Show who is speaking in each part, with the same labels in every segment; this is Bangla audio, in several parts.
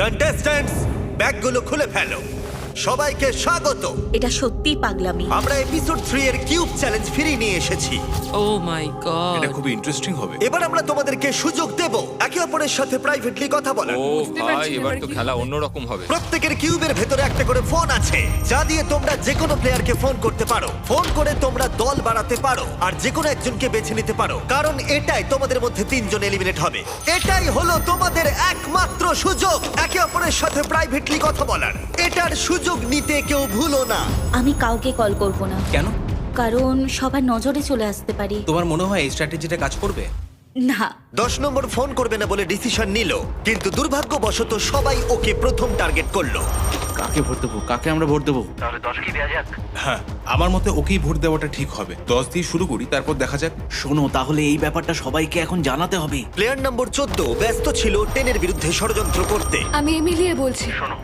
Speaker 1: কন্টেস্ট্যান্টস, ব্যাগগুলো খুলে ফেলো। সবাইকে স্বাগত।
Speaker 2: এটা সত্যিই পাগলামি।
Speaker 1: আমরা এপিসোড 3 এর কিউব চ্যালেঞ্জ ফিরিয়ে নিয়ে এসেছি।
Speaker 3: ও মাই গড,
Speaker 4: এটা খুবই ইন্টারেস্টিং হবে।
Speaker 1: এবার আমরা তোমাদেরকে সুযোগ দেব একে অপরের সাথে প্রাইভেটলি কথা বলার।
Speaker 5: ও ভাই, এবার তো খেলা অন্যরকম হবে।
Speaker 1: প্রত্যেকের কিউবের ভেতরে একটা করে ফোন আছে, যা দিয়ে তোমরা যে কোনো প্লেয়ারকে ফোন করতে পারো। ফোন করে তোমরা দল বাড়াতে পারো আর যে কোনো একজনকে বেছে নিতে পারো, কারণ এটাই তোমাদের মধ্যে 3 জন এলিমিনেট হবে। এটাই হলো তোমাদের একমাত্র সুযোগ একে অপরের সাথে প্রাইভেটলি কথা বলার। এটার সুযোগ নিতে কেউ ভুলো না।
Speaker 2: আমি কাউকে কল করব না,
Speaker 6: কেন?
Speaker 2: কারণ সবার নজরে চলে আসতে পারি।
Speaker 6: তোমার মনে হয় এই স্ট্র্যাটেজিটা কাজ করবে?
Speaker 2: না,
Speaker 1: 10 নম্বর ফোন করবে না বলে ডিসিশন নিল, কিন্তু দুর্ভাগ্যবশত সবাই ওকে প্রথম টার্গেট করলো।
Speaker 6: কাকে ভোট দেবো? কাকে আমরা ভোট দেবো?
Speaker 4: হ্যাঁ, আমার মতে ওকেই ভোট দেওয়াটা ঠিক হবে। 10 দিয়ে শুরু করি, তারপর দেখা যাক।
Speaker 6: শোনো, তাহলে এই ব্যাপারটা সবাইকে এখন জানাতে হবে।
Speaker 1: প্লেয়ার নম্বর 14 ব্যস্ত ছিল 10 এর বিরুদ্ধে ষড়যন্ত্র করতে।
Speaker 7: আমি এমিলিয়ে বলছি।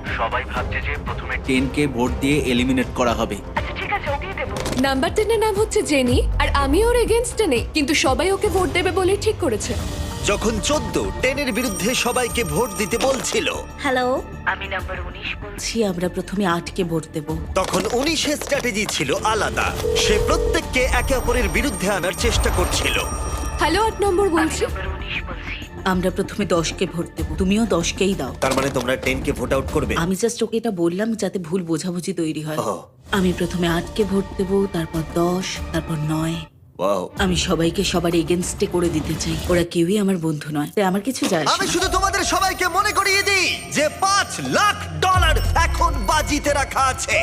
Speaker 6: 10কে ভোট দিয়ে এলিমিনেট করা হবে।
Speaker 7: নাম্বার 10 এর নাম হচ্ছে জেনি, আর আমি ওর এগেইনস্টে নেই, কিন্তু সবাই ওকে ভোট দেবে বলে ঠিক করেছে।
Speaker 1: যখন 14 10 এর বিরুদ্ধে সবাইকে ভোট দিতে বলছিল,
Speaker 2: হ্যালো, আমি নাম্বার 19 বলছি। আমরা প্রথমে 8কে ভোট দেব।
Speaker 1: তখন 19 এর স্ট্র্যাটেজি ছিল আলাদা। সে প্রত্যেককে একে অপরের বিরুদ্ধে আনার চেষ্টা করছিল।
Speaker 7: হ্যালো, 8 নম্বর বলছি।
Speaker 2: আমরা প্রথমে 10কে ভোট দেব, তুমিও 10কেই দাও।
Speaker 1: তার মানে তোমরা 10 কে ভোট আউট করবে?
Speaker 2: আমি জাস্ট ওকে এটা বললাম যাতে ভুল বোঝাবুঝি তৈরি হয়।
Speaker 1: ও।
Speaker 2: আমি প্রথমে 8কে ভোট দেব, তারপর 10, তারপর 9।
Speaker 1: ওয়াও।
Speaker 2: আমি সবাইকে সবার এগেনস্টে করে দিতে চাই। ওরা কেউই আমার বন্ধু নয়, তাই আমার কিছু যায় আসে
Speaker 1: আমি
Speaker 2: না।
Speaker 1: শুধু তোমাদের সবাইকে মনে করিয়ে দিই যে $5 লাখ এখন বাজিতে রাখা আছে।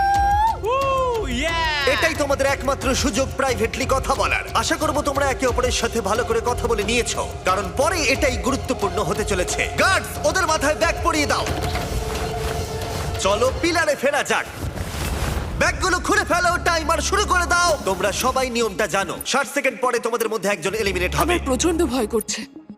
Speaker 1: এটাই তোমাদের একমাত্র সুযোগ প্রাইভেটলি কথা বলার। আশা করব তোমরা একে অপরের সাথে ভালো করে কথা বলে নিয়েছো, কারণ পরে এটাই গুরুত্বপূর্ণ হতে চলেছে। গার্ডস, ওদের মাথায় ব্যাগ পরিয়ে দাও। চলো পিলারে ফেরা যাক। ব্যাগগুলো খুলে ফেলো, টাইমার শুরু করে দাও। তোমরা সবাই নিয়মটা জানো। 60 সেকেন্ড পরে তোমাদের মধ্যে একজন এলিমিনেট হবে।
Speaker 7: আমার প্রচন্ড ভয় করছে।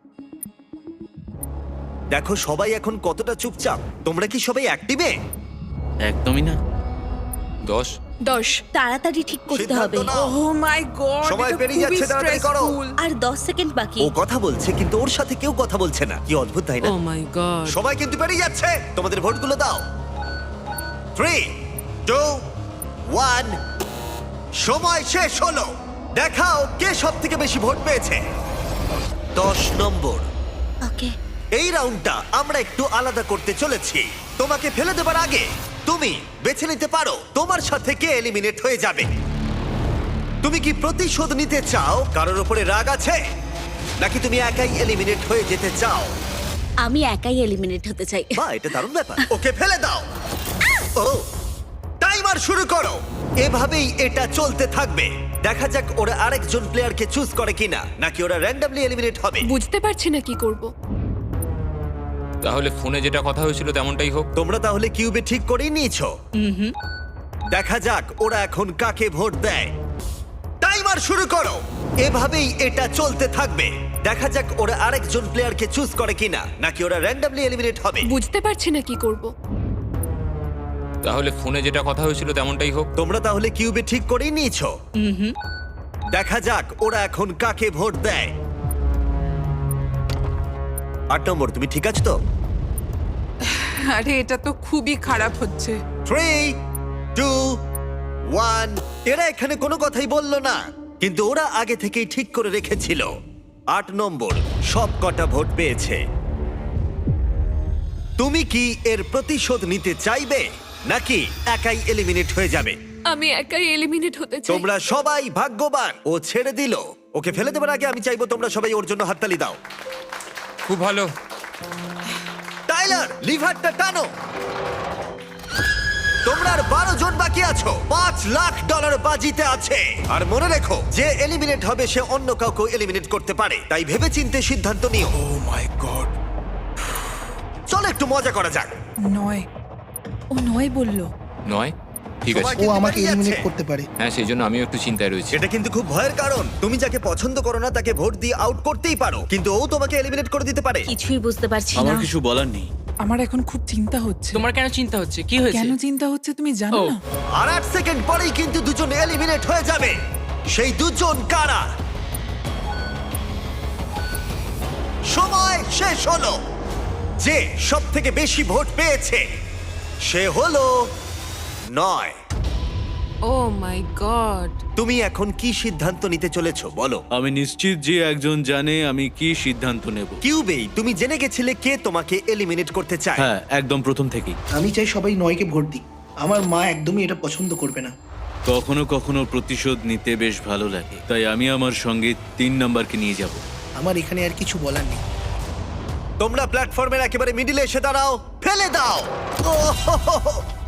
Speaker 1: দেখো সবাই এখন কতটা চুপচাপ। তোমরা কি সবাই অ্যাক্টিভে?
Speaker 6: একদমই না।
Speaker 5: 10
Speaker 7: 10।
Speaker 2: তাড়াতাড়ি ঠিক করতে হবে।
Speaker 1: সিদ্ধান্ত নাও।
Speaker 3: ও মাই গড,
Speaker 1: সময় পেরিয়ে যাচ্ছে, তাড়াতাড়ি করো।
Speaker 2: আর 10 সেকেন্ড বাকি।
Speaker 1: ও কথা বলছে কিন্তু ওর সাথে কেউ কথা বলছে না। কি অদ্ভুত, তাই না?
Speaker 3: ও মাই গড,
Speaker 1: সময় কিন্তু পেরিয়ে যাচ্ছে। তোমাদের ভোটগুলো দাও। 3, 2, 1। সময় শেষ হলো। দেখাও কে সব থেকে বেশি ভোট পেয়েছে। 10 নম্বর।
Speaker 2: ওকে,
Speaker 1: এই রাউন্ডটা আমরা একটু আলাদা করতে চলেছি। তোমাকে ফেলে দেবার আগে তুমি বেছে নিতে পারো তোমার সাথে কে এলিমিনেট হয়ে যাবে। তুমি কি প্রতিশোধ নিতে চাও, কারোর উপরে রাগ আছে, নাকি তুমি একাই এলিমিনেট হয়ে যেতে চাও?
Speaker 2: আমি একাই এলিমিনেট হতে চাই।
Speaker 1: বা এটা দারুণ ব্যাপার। ওকে ফেলে দাও। ও, টাইমার শুরু করো। এভাবেই এটা চলতে থাকবে। দেখা যাক ওরা আরেকজন প্লেয়ারকে চুজ করে কিনা, নাকি ওরা র্যান্ডমলি এলিমিনেট হবে।
Speaker 7: বুঝতে পারছি না কি করব।
Speaker 5: তাহলে ফোনে যেটা কথা হয়েছিল তেমনটাই হোক।
Speaker 1: তোমরা তাহলে কিউবে ঠিক করেই নিয়েছো। দেখা যাক ওরা এখন কাকে ভোট দেয়। টাইমার শুরু করো। এভাবেই এটা চলতে থাকবে। দেখা যাক ওরা আরেকজন প্লেয়ারকে চুজ করে কিনা, নাকি ওরা র্যান্ডমলি এলিমিনেট হবে।
Speaker 7: বুঝতে পারছি না কি করব।
Speaker 5: তাহলে ফোনে যেটা কথা হয়েছিল তেমনটাই হোক।
Speaker 1: তোমরা তাহলে কিউবে ঠিক করেই নিয়েছো। দেখা যাক ওরা এখন কাকে ভোট দেয়। 8 নম্বর, তুমি ঠিক আছো তো?
Speaker 3: আরে এটা তো খুবই খারাপ হচ্ছে।
Speaker 1: 3, 2, 1। এরা এখানে কোনো কথাই বললো না, কিন্তু ওরা আগে থেকেই ঠিক করে রেখেছিল। 8 নম্বর সব কটা ভোট পেয়েছে। তুমি কি এর প্রতিশোধ নিতে চাইবে, নাকি একাই এলিমিনেট হয়ে যাবে?
Speaker 7: আমি একাই এলিমিনেট হতে চাই।
Speaker 1: তোমরা সবাই ভাগ্যবান। ও ছেড়ে দিল। ওকে ফেলে দেবার আগে আমি চাইবো তোমরা সবাই ওর জন্য হাততালি দাও।
Speaker 5: খুব ভালো।
Speaker 1: টাইলার, লিভারটা টানো। তোমরা আর 12 জন বাকি আছো। $5 লাখ বাজিতে আছে। আর মনে রেখো, যে এলিমিনেট হবে সে অন্য কাউকে এলিমিনেট করতে পারে, তাই ভেবেচিন্তে সিদ্ধান্ত নিও।
Speaker 4: Oh my god.
Speaker 1: চলো একটু মজা করা যাক।
Speaker 3: 9। ও 9 বললো।
Speaker 5: 9 ঠিক
Speaker 1: সময়
Speaker 5: আছে।
Speaker 8: ও
Speaker 1: কিন্তু
Speaker 8: আমাকে
Speaker 1: পেরিয়ে
Speaker 8: এলিমিনেট
Speaker 1: যাচ্ছে।
Speaker 8: করতে পারে।
Speaker 5: হ্যাঁ, সেই জন্য আমিও একটু চিন্তায় রয়েছি।
Speaker 1: এটা কিন্তু খুব ভয়ের কারণ। তুমি যাকে পছন্দ করো না তাকে ভোট দিয়ে আউট করতেই পারো, কিন্তু ও তোমাকে এলিমিনেট করে দিতে পারে।
Speaker 2: কিছুই বুঝতে পারছি না।
Speaker 6: আমার কিছু বলার নেই।
Speaker 3: আমার এখন খুব চিন্তা হচ্ছে।
Speaker 9: তোমার কেন চিন্তা হচ্ছে? কি হয়েছে?
Speaker 3: কেন চিন্তা হচ্ছে তুমি জানো
Speaker 9: ও।
Speaker 3: না?
Speaker 1: আর 8 সেকেন্ড পরেই কিন্তু দুজন এলিমিনেট হয়ে যাবে। সেই দুজন কারা? সময় শেষ হলো। যে সব থেকে বেশি ভোট পেয়েছে সে হলো 9।
Speaker 3: Oh my god.
Speaker 1: তুমি এখন কি সিদ্ধান্ত নিতে চলেছো বলো?
Speaker 6: আমি নিশ্চিত যে একজন জানে আমি কি সিদ্ধান্ত নেব।
Speaker 1: কিউবেই তুমি জেনে গেছিলে কে তোমাকে এলিমিনেট করতে চায়।
Speaker 6: হ্যাঁ, একদম প্রথম থেকেই।
Speaker 8: আমি চাই সবাই 9কে ভোট দিক। আমার মা একদমই এটা পছন্দ করবে না।
Speaker 6: কখনো কখনো প্রতিশোধ নিতে বেশ ভালো লাগে, তাই আমি আমার সঙ্গে 3 নাম্বারকে নিয়ে যাব।
Speaker 8: আমার এখানে আর কিছু বলার নেই।
Speaker 1: তোমরা প্ল্যাটফর্মের একেবারে মিডিলে এসে দাঁড়াও, ফেলে দাও। ওহ হো হো হো।